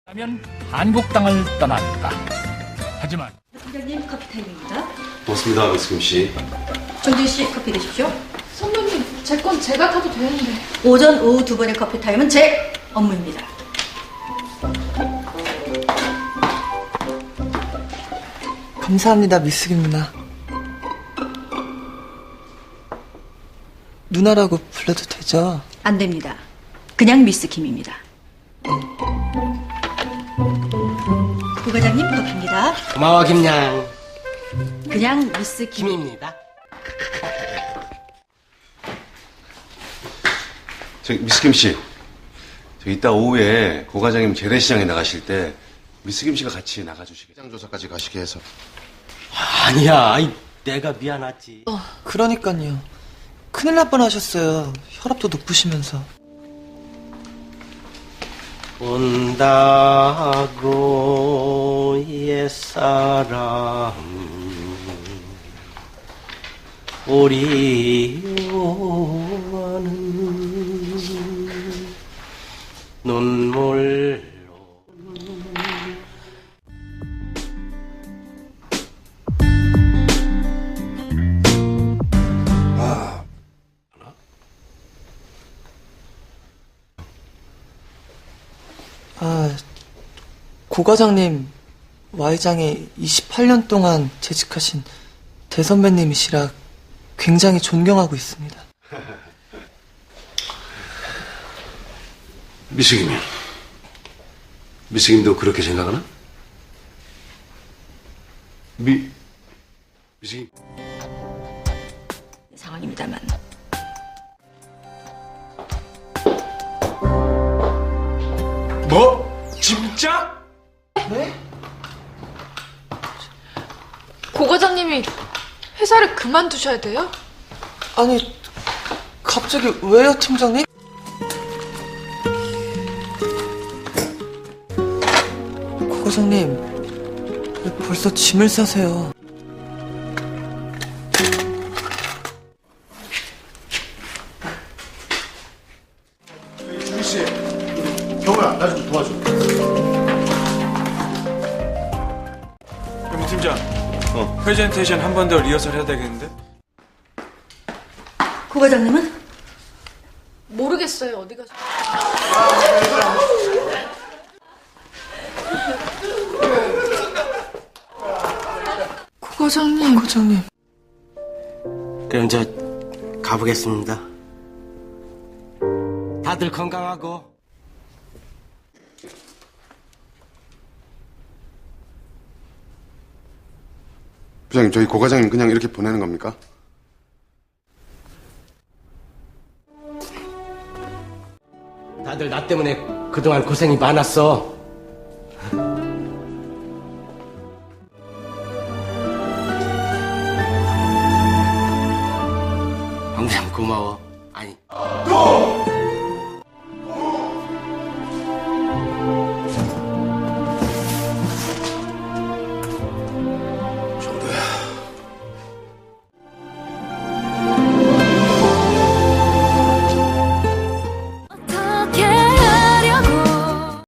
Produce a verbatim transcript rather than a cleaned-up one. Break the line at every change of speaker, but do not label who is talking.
하면 한국땅을 떠난다. 하지만
팀장님 커피 타임입니다.
고맙습니다, 미스김 씨.
정진 씨 커피 드십시오.
선배님, 제 건 제가 타도 되는데.
오전, 오후 두 번의 커피 타임은 제 업무입니다.
감사합니다, 미스김 누나. 누나라고 불러도 되죠?
안 됩니다. 그냥 미스 김입니다. 부과장님 커피입니다.
고마워 김양.
그냥 미스 김.
김입니다.
저기 미스김 씨, 저 이따 오후에 고 과장님 재래시장에 나가실 때 미스김 씨가 같이 나가주시게. 시장 조사까지 가시게 해서.
아니야, 아이, 내가 미안하지.
그러니까요. 큰일 날 뻔하셨어요. 혈압도 높으시면서.
온다고 옛사람 우리와는 눈물로.
아, 고 과장님 Y장에 이십팔 년 동안 재직하신 대선배님이시라 굉장히 존경하고 있습니다.
미스김이. 미스김도 그렇게 생각하나? 미, 미스김.
상황입니다만.
뭐? 진짜?
네?
고 과장님이 회사를 그만두셔야 돼요?
아니, 갑자기 왜요, 팀장님? 고 과장님, 왜 벌써 짐을 싸세요?
주희씨, 경호야, 나 좀 도와줘.
임 팀장, 어. 프레젠테이션 한 번 더 리허설 해야 되겠는데?
고 과장님은?
모르겠어요, 어디 가서. 고 과장님.
고 과장님.
그럼 저 가보겠습니다. 다들 건강하고.
부장님, 저희 고 과장님 그냥 이렇게 보내는 겁니까?
다들 나 때문에 그동안 고생이 많았어. 항상 고마워. 아니.